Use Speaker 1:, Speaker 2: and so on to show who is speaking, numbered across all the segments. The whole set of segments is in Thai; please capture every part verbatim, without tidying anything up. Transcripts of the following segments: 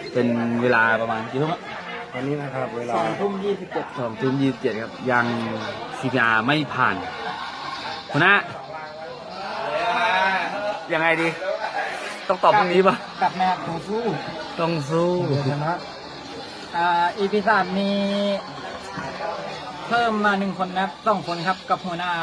Speaker 1: เป็นเวลาประมาณกี่ทุ่ม
Speaker 2: ตอนนี้นะครับเวลา
Speaker 3: สองทุ่มยี่สิบเจ็ด
Speaker 1: สองทุ่มยี่สิบเจ็ดครับยัง ซี พี อาร์ ไม่ผ่านคุณนะยังไงดี ต้องตอบตรงนี้ปะ
Speaker 3: กลับมาต่อสู้
Speaker 1: ต้องสู้
Speaker 2: ชนะ
Speaker 3: อ่าอีพีสามมีเพิ่มมาหนึ่งคนนะครับสองคนครับกับหัวหน้าครับ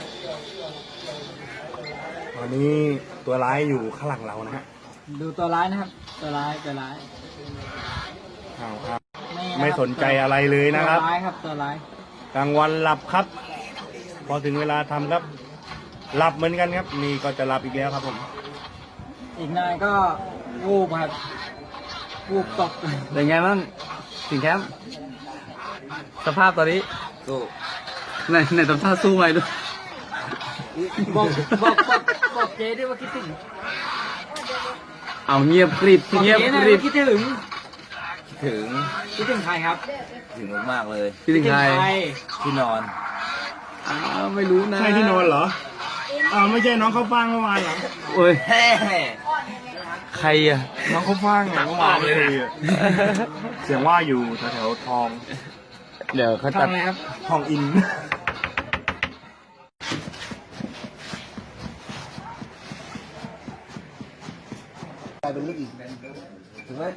Speaker 2: ตอนนี้ตัวร้ายอยู่ข้างหลังเรานะฮะ
Speaker 3: ดูตัวร้ายนะครับ ตัวร้ายตัวร้าย
Speaker 2: อ้าวครับ
Speaker 3: นี่ะครับ
Speaker 2: ไม่สนใจอะไรเลยนะครับ
Speaker 3: ตัวร้ายครับตัวร้าย
Speaker 2: กลางวันหลับครับ พอถึงเวลาทำครับ หลับเหมือนกันครับนี่ก็จะหลับอีกแล้วครับผม
Speaker 3: อีกนายก็วูบครับวูบตก
Speaker 1: เป็นไงบ้างสิงแคมป์สภาพตอนนี้สู้ในในสภาพสู้ไหมดู
Speaker 3: บอกบอกบอกบอกเจ๊ด้วยว่าคิดถึง
Speaker 1: เอาเงียบกริบ
Speaker 3: บอก
Speaker 1: เงียบ
Speaker 3: เจ๊
Speaker 1: ก
Speaker 3: นะ
Speaker 1: ริบ
Speaker 3: ว่าคิดถึง
Speaker 4: ถึง
Speaker 3: คิดถึงใครครับ
Speaker 4: ถึงมากๆเลย
Speaker 1: พี่ถึงใคร
Speaker 4: ที่นอน
Speaker 1: อ้าวไม่รู้นะ
Speaker 2: ใช่ที่นอนเหรออ้าวไม่ใช่น้องเขาฟังเมื่อวานเหรอ
Speaker 1: โอ้ย
Speaker 4: แฮ่
Speaker 1: ใครอะ
Speaker 2: น้องเขาฟังเหรอเมื่อวานเลยอะเสียงว่าอยู่แถวๆทอง
Speaker 1: เดี๋ยวเขา
Speaker 3: ทำ
Speaker 1: ตัด
Speaker 3: อะไรครับ
Speaker 2: ทองอิน
Speaker 4: กลายเป็นลูกอีกถูกไหม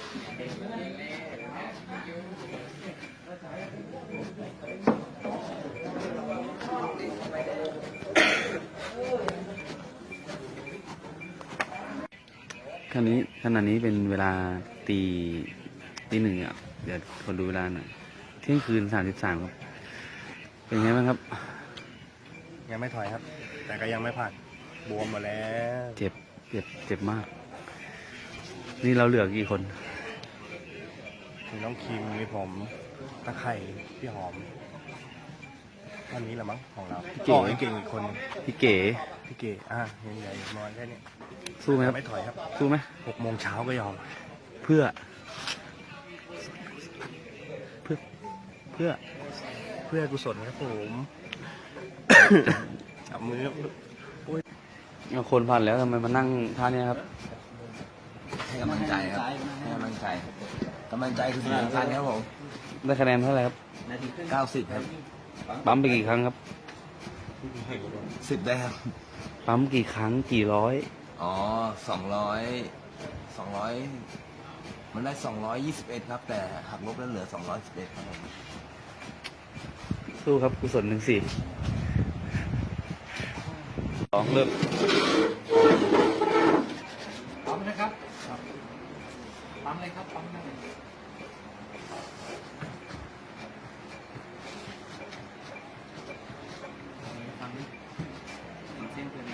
Speaker 1: ขณะนี้ขณะนี้เป็นเวลาตีตีหนึ่งอ่ะเดี๋ยวคนดูเวลาหน่อยเที่ยงคืนสามสิบสามครับ เป็นไงบ้างครับ
Speaker 2: ยังไม่ถอยครับ แต่ก็ยังไม่ผ่านบวมหมาแล้ว
Speaker 1: เจ็บเจ็บเจ็บมาก นี่เราเหลือกี่คน
Speaker 2: มีน้องคิมมีผมตะไคร่พี่หอมวันนี้แหละมั้งของเรา
Speaker 1: พี่เก๋
Speaker 2: อ๋อไอ้เก่งอีกคน
Speaker 1: พี่เก๋
Speaker 2: พี่เก๋อ่ะยังใหญ่นอนแค่นี้
Speaker 1: สู้ไหมครับ
Speaker 2: ไม่ถอยครับ
Speaker 1: สู้ไหม
Speaker 2: หกโมงเช้าก็ยอม
Speaker 1: เพื่อ เพื่อเพื่อ
Speaker 2: เพื่อกุศลครับผม จับมือครับ
Speaker 1: เอาคนผ่านแล้วทำไมมานั่งท่าเนี้ยครับ
Speaker 4: ให้กำลังใจครับให้กำลังใจกำลังใจคือสิ่งสำคัญครับผม
Speaker 1: ได้คะแนนเท่าไหร่ครับ
Speaker 4: เก้าสิบครับ
Speaker 1: ปั๊มไปกี่ครั้งครับ
Speaker 4: สิบได้ครับ
Speaker 1: ปั๊มกี่ครั้งกี่ร้อย
Speaker 4: อ๋อสองร้อยสองร้อยมันได้สองร้อยยี่สิบเอ็ดครับ แต่หักลบแล้วเหลือสองร้อยสิบเอ็ดครับผม
Speaker 1: สู้ครับกุศลหนึ่งสี่สองเริ่ม
Speaker 3: ปั๊มนะครับปั๊มเลยครับปั๊มเลยเส้นเกินนะ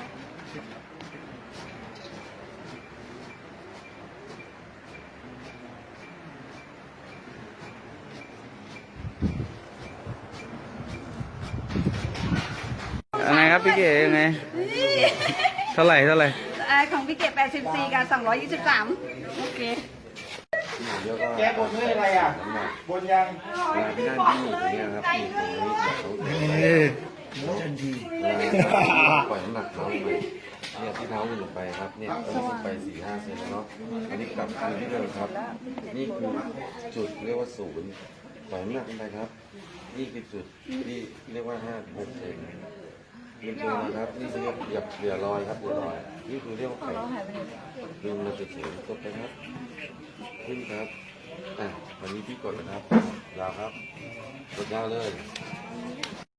Speaker 1: ยังไงครับพี่เก๋ยังไง เท่าไหร่เท่าไหร่
Speaker 5: อ่าของพี่เกดแปดสิบสี่กับสองร้อยยี่สิบสามโอเค
Speaker 3: แกบนเรื่องอะไรอ่ะบนยัง
Speaker 6: เวลาที่นั่นที่อยู่ตรงเนี้ยครับอยู่ตรงนี้เขาทันทีปล่อยน้ำหนักเท้าลงไปเนี่ยที่เท้าลงไปครับเนี่ยตอนนี้ลงไปสี่ห้าเซนแล้วเนาะอันนี้กลับคืนที่เดิมครับ นี่คือจุดเรียกว่าศูนย์ปล่อยน้ำหนักลงไปครับ นี่คือจุดที่เรียกว่าห้าหกเซนลืมตัวนะครับนี่คือเรียกอย่าเหลือรอยครับเหลือรอยนี่คือเรียกว่าไข่ลืมเราจะเสียจบไปครับขึ้นครับอ่ะวันนี้พี่กดนะครับยาวครับกดยาวเลย